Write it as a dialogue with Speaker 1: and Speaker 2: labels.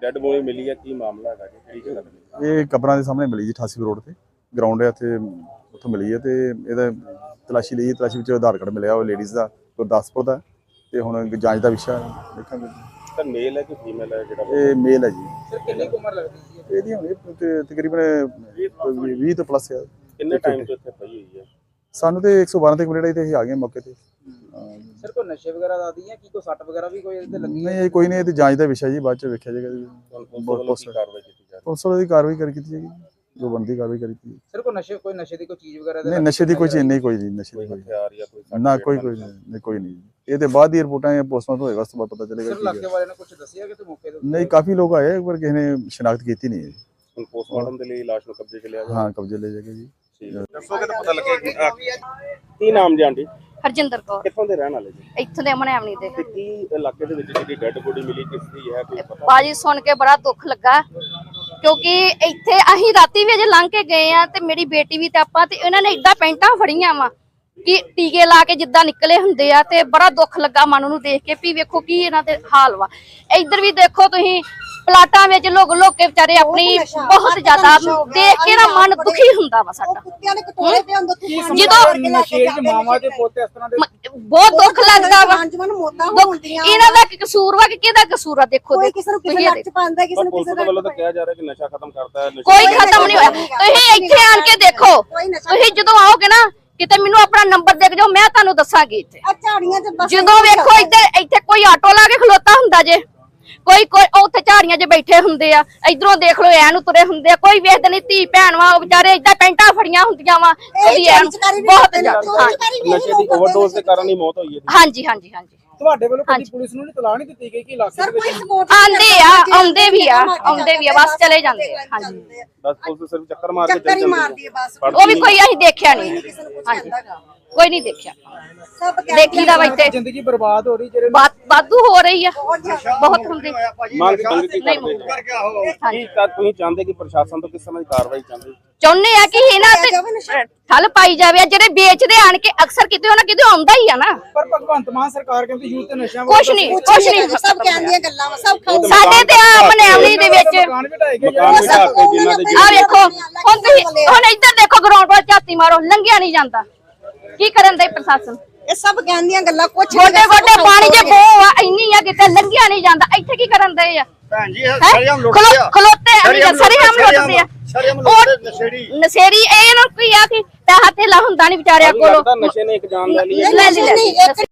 Speaker 1: Dead body ਮਿਲੀ ਹੈ, ਕੀ ਮਾਮਲਾ ਹੈਗਾ ਜੀ, ਕਿਹੜੀ ਜਗ੍ਹਾ ਤੇ?
Speaker 2: ਇਹ ਕਬਰਾਂ ਦੇ ਸਾਹਮਣੇ ਮਿਲੀ ਜੀ 88 ਰੋਡ ਤੇ ਗਰਾਊਂਡ ਹੈ ਇੱਥੇ, ਉੱਥੋਂ ਮਿਲੀ ਹੈ ਤੇ ਇਹਦਾ ਤਲਾਸ਼ੀ ਲਈ। ਤਲਾਸ਼ੀ ਵਿੱਚ ਆਧਾਰ ਕਾਰਡ ਮਿਲਿਆ ਉਹ ਲੇਡੀਜ਼ ਦਾ ਗੁਰਦਾਸਪੁਰ ਦਾ, ਤੇ ਹੁਣ ਜਾਂਚ ਦਾ ਵਿਸ਼ਾ ਦੇਖਾਂਗੇ।
Speaker 1: ਸਰ ਮੇਲ ਹੈ ਕਿ ਫੀਮੇਲ ਹੈ ਜਿਹੜਾ?
Speaker 2: ਇਹ ਮੇਲ ਹੈ ਜੀ।
Speaker 3: ਸਰ ਕਿੰਨੀ ਉਮਰ ਲੱਗਦੀ ਹੈ
Speaker 2: ਇਹਦੀ ਹੁਣ ਤਕਰੀਬਨ 20 ਤੋਂ ਪਲੱਸ ਹੈ।
Speaker 1: ਕਿੰਨੇ ਟਾਈਮ ਤੋਂ ਇੱਥੇ ਪਈ ਹੋਈ ਹੈ?
Speaker 2: ਸਾਨੂੰ ਤੇ 112 ਤੇ ਕੰਪਲੇਂਟ ਆਈ ਤੇ ਅਸੀਂ ਆ ਗਏ ਮੌਕੇ ਤੇ।
Speaker 3: ਸਰ ਕੋਈ ਨਸ਼ੇ ਵਗੈਰਾ ਦਾ ਆਦੀ ਹੈ ਕੀ ਕੋਈ ਸੱਟ ਵਗੈਰਾ ਵੀ ਕੋਈ ਇਹਦੇ ਲੱਗੀ?
Speaker 2: ਨਹੀਂ, ਇਹ ਕੋਈ ਨਹੀਂ, ਇਹ ਤੇ ਜਾਂਚ ਦਾ ਵਿਸ਼ਾ ਜੀ, ਬਾਅਦ ਚ ਵੇਖਿਆ ਜਾਏਗਾ ਜੀ।
Speaker 1: ਪੁਲਿਸ ਵੱਲੋਂ ਕਾਰਵਾਈ ਕੀਤੀ ਜਾ ਰਹੀ ਹੈ?
Speaker 2: ਪੁਲਿਸ ਵਾਲੇ ਦੀ ਕਾਰਵਾਈ ਕੀਤੀ ਜਾਏਗੀ, ਜੋ ਬਣਦੀ ਕਾਰਵਾਈ ਕੀਤੀ।
Speaker 3: ਸਰ ਕੋਈ ਨਸ਼ੇ ਦੀ ਕੋਈ ਚੀਜ਼ ਵਗੈਰਾ
Speaker 2: ਨਹੀਂ, ਨਸ਼ੇ ਦੀ ਕੋਈ ਚੀਜ਼ ਨਹੀਂ, ਕੋਈ ਨਹੀਂ ਨਸ਼ੇ ਦੀ ਕੋਈ
Speaker 1: ਹਥਿਆਰ ਜਾਂ ਕੋਈ
Speaker 2: ਨਾ, ਕੋਈ ਨਹੀਂ, ਕੋਈ ਨਹੀਂ। ਇਹ ਤੇ ਬਾਅਦ ਦੀ ਰਿਪੋਰਟਾਂ ਜਾਂ ਪੋਸਟਮਾਰਟਮ ਹੋਏਗਾ, ਉਸ ਤੋਂ ਬਾਅਦ ਪਤਾ ਚੱਲੇਗਾ।
Speaker 3: ਸਰ ਇਲਾਕੇ ਵਾਲਿਆਂ ਨੇ ਕੁਝ ਦੱਸਿਆ ਕਿ ਤੇ ਮੌਕੇ ਤੇ?
Speaker 2: ਨਹੀਂ, ਕਾਫੀ ਲੋਕ ਆਏ ਪਰ ਕਿਸੇ ਨੇ ਸ਼ਨਾਖਤ ਕੀਤੀ ਨਹੀਂ ਹੈ।
Speaker 1: ਹੁਣ ਪੋਸਟਮਾਰਟਮ ਦੇ ਲਈ ਲਾਸ਼ ਨੂੰ ਕਬਜ਼ੇ 'ਚ ਲਿਆ ਗਿਆ?
Speaker 2: ਹਾਂ, ਕਬਜ਼ੇ ਲੈ ਜਾਏਗਾ ਜੀ।
Speaker 1: ਦੱਸੋਗੇ ਤਾਂ ਪਤਾ ਲੱਗੇਗਾ। ਕੀ ਨਾਮ ਜੀ ਆਂਟੀ?
Speaker 4: ਹਰਜਿੰਦਰ ਕੌਰ,
Speaker 1: ਕਿੱਥੋਂ ਦੇ ਰਹਿਣ ਵਾਲੇ ਜੀ?
Speaker 4: ਇੱਥੋਂ ਦੇ ਅਮਨੈਵਣੀ ਦੇ।
Speaker 1: ਤੇ ਕੀ ਇਲਾਕੇ ਦੇ ਵਿੱਚ ਜਿਹੜੀ ਡੈਡ ਬੋਡੀ ਮਿਲੀ ਕਿਸ ਦੀ ਹੈ, ਕੋਈ ਪਤਾ?
Speaker 4: ਬਾਜੀ ਸੁਣ ਕੇ ਬੜਾ ਦੁੱਖ ਲੱਗਾ, ਕਿਉਂਕਿ ਇੱਥੇ ਅਸੀਂ ਰਾਤੀ ਵੀ ਅਜੇ ਲੰਘ ਕੇ ਗਏ ਆ ਤੇ ਮੇਰੀ ਬੇਟੀ ਵੀ ਤੇ ਆਪਾਂ ਤੇ ਇਹਨਾਂ ਨੇ ਏਦਾਂ ਪੈਂਟਾਂ ਫੜੀਆਂ ਵਾ ਕਿ ਟੀਕੇ ਲਾ ਕੇ ਜਿੱਦਾਂ ਨਿਕਲੇ ਹੁੰਦੇ ਆ, ਤੇ ਬੜਾ ਦੁੱਖ ਲੱਗਾ ਮਨ ਨੂੰ ਦੇਖ ਕੇ ਵੀ ਵੇਖੋ ਕੀ ਇਹਨਾਂ ਦੇ ਹਾਲ ਵਾ। ਇੱਧਰ ਵੀ ਦੇਖੋ ਤੁਸੀਂ, ਪਲਾਟਾਂ ਵਿੱਚ ਲੋਕ ਕੇ ਵਿਚਾਰੇ ਆਪਣੀ ਬਹੁਤ ਜ਼ਿਆਦਾ ਦੇਖ ਕੇ ਨਾ ਮਨ ਦੁਖੀ ਹੁੰਦਾ ਵਾ ਸਾਡਾ। ਜਦੋਂ
Speaker 3: ਨਸ਼ੇੜੀ ਮਾਵਾਂ ਦੇ ਪੋਤੇ ਇਸ ਤਰ੍ਹਾਂ ਦੇ
Speaker 4: ਬਹੁਤ ਦੁੱਖ ਲੱਗਦਾ ਵਾ। ਇਹਨਾਂ ਦਾ ਕੀ ਕਸੂਰ ਵਾ ਕਿ ਕਿਹਦਾ ਕਸੂਰ ਆ? ਦੇਖੋ
Speaker 1: ਪਰ ਪੁਲਿਸ ਦੇ ਵੱਲੋਂ ਤਾਂ ਕਿਹਾ ਜਾ ਰਿਹਾ ਕਿ ਨਸ਼ਾ ਖਤਮ ਕਰਦਾ ਹੈ।
Speaker 4: ਕੋਈ ਖਤਮ ਨਹੀਂ ਹੋਇਆ। ਤੁਸੀਂ ਇੱਥੇ ਆਣ ਕੇ ਦੇਖੋ, ਤੁਸੀਂ ਜਦੋਂ ਆਓਗੇ ਨਾ ਕਿਤੇ ਮੈਨੂੰ ਆਪਣਾ ਨੰਬਰ ਦੇ ਜਾਓ, ਮੈਂ ਤੁਹਾਨੂੰ ਦੱਸਾਂਗੀ। ਇੱਥੇ ਜਦੋਂ ਵੇਖੋ ਇੱਥੇ ਕੋਈ ਆਟੋ ਲਾ ਕੇ ਖਲੋਤਾ ਹੁੰਦਾ ਜੇ, ਕੋਈ ਉੱਥੇ ਝਾੜੀਆਂ 'ਚ ਬੈਠੇ ਹੁੰਦੇ ਆ, ਇਧਰੋਂ ਦੇਖ ਲਓ ਐ ਨੂੰ ਤੁਰੇ ਹੁੰਦੇ ਆ, ਕੋਈ ਵੇਖਦੇ ਨਹੀਂ। ਧੀ ਭੈਣ ਵਾ, ਉਹ ਵਿਚਾਰੇ ਏਦਾਂ ਪੈਂਟਾਂ ਫੜੀਆਂ ਹੁੰਦੀਆਂ ਵਾ, ਬਹੁਤ ਜ਼ਿਆਦਾ।
Speaker 1: ਨਸ਼ੇ ਦੀ ਓਵਰਡੋਜ਼ ਦੇ ਕਾਰਨ ਹੀ ਮੌਤ ਹੋਈ ਹੈ।
Speaker 4: ਹਾਂਜੀ ਹਾਂਜੀ ਹਾਂਜੀ।
Speaker 3: ਤੁਹਾਡੇ ਵੱਲੋਂ ਕਦੀ ਪੁਲਿਸ ਨੂੰ ਨਹੀਂ ਤਲਾਹ ਨਹੀਂ ਦਿੱਤੀ ਗਈ ਕਿ ਇਲਾਕੇ ਦੇ ਵਿੱਚ?
Speaker 4: ਆਉਂਦੇ ਵੀ ਆ ਬਸ ਚਲੇ ਜਾਂਦੇ ਆ। ਹਾਂਜੀ,
Speaker 1: ਬਸ ਪੁਲਿਸ ਸਿਰਫ ਚੱਕਰ ਮਾਰ ਕੇ ਚਲੀ ਜਾਂਦੀ ਹੈ।
Speaker 4: ਉਹ ਵੀ ਕੋਈ ਅਸੀਂ ਦੇਖਿਆ ਨਹੀਂ। ਹਾਂਜੀ, ਕੋਈ ਨਹੀਂ ਦੇਖਿਆ। ਦੇਖੀ ਦਾ ਵਾ ਇੱਥੇ
Speaker 3: ਜ਼ਿੰਦਗੀ ਬਰਬਾਦ ਹੋ ਰਹੀ, ਜਿਹੜੇ
Speaker 4: ਵਾਧੂ ਹੋ ਰਹੀ ਆ, ਬਹੁਤ ਹੁੰਦੀ।
Speaker 1: ਮੰਗ ਕੀ ਕਰਦੇ? ਕੀ ਤੁਸੀਂ ਚਾਹੁੰਦੇ ਕਿ ਪ੍ਰਸ਼ਾਸਨ ਤੋਂ ਕਿਸ ਤਰ੍ਹਾਂ ਦੀ ਕਾਰਵਾਈ
Speaker 4: ਚਾਹੁੰਦੇ ਆ ਕਿ ਇਹਨਾਂ ਤੇ ਠੱਲ ਪਾਈ ਜਾਵੇ। ਜਿਹੜੇ ਵੇਚਦੇ ਆਣ ਕੇ ਅਕਸਰ ਕਿਤੇ ਉਹਨਾਂ ਕਿਤੇ ਆਉਂਦਾ ਹੀ ਆ ਨਾ।
Speaker 3: ਪਰ ਭਗਵੰਤ ਮਾਨ ਸਰਕਾਰ ਕਹਿੰਦੀ ਯੂਥ ਤੇ ਨਸ਼ਿਆਂ
Speaker 4: ਕੁਛ ਨਹੀਂ
Speaker 5: ਸਭ ਕਹਿੰਦੀਆਂ ਗੱਲਾਂ ਵਾ, ਸਭ
Speaker 4: ਸਾਡੇ ਤੇ ਆ ਮਨੈਵਣੀ ਦੇ ਵਿੱਚ
Speaker 3: ਮਕਾਨ ਵੀ ਢਾਏ ਗਏ।
Speaker 4: ਆ ਵੇਖੋ, ਹੁਣ ਇੱਧਰ ਦੇਖੋ, ਗਰਾਊਂਡ ਵੱਲ ਝਾਤੀ ਮਾਰੋ, ਲੰਘਿਆ ਨਹੀਂ ਜਾਂਦਾ। ਕੀ ਕਰਨ ਦੇ ਪ੍ਰਸ਼ਾਸਨ?
Speaker 5: ਇਹ ਸਭ ਕਹਿੰਦੀਆਂ ਗੱਲਾਂ, ਕੁਛ
Speaker 4: ਗੋਡੇ ਗੋਡੇ ਪਾਣੀ ਜੇ ਬੋਹ ਆ ਇੰਨੀ ਆ, ਕਿਤੇ ਲੰਘਿਆ ਨਹੀਂ ਜਾਂਦਾ। ਇੱਥੇ ਕੀ ਕਰਨ ਦੇ ਆ?
Speaker 6: ਭੈਣ ਜੀ ਸਰੀਆਮ ਲੁੱਟਦੇ ਆ,
Speaker 4: ਖਲੋਤੇ ਸਰੀਆਮ ਲੁੱਟਦੇ ਆ। ਨਸ਼ੇੜੀ ਇਹਨਾਂ ਨੂੰ ਕੀ ਆ ਕਿ ਪੈਸਾ ਧੇਲਾ ਹੁੰਦਾ ਨਹੀਂ ਵਿਚਾਰਿਆਂ ਕੋਲ।
Speaker 1: ਨਸ਼ੇ ਨੇ ਇੱਕ ਜਾਨ ਲੈ ਲਈ।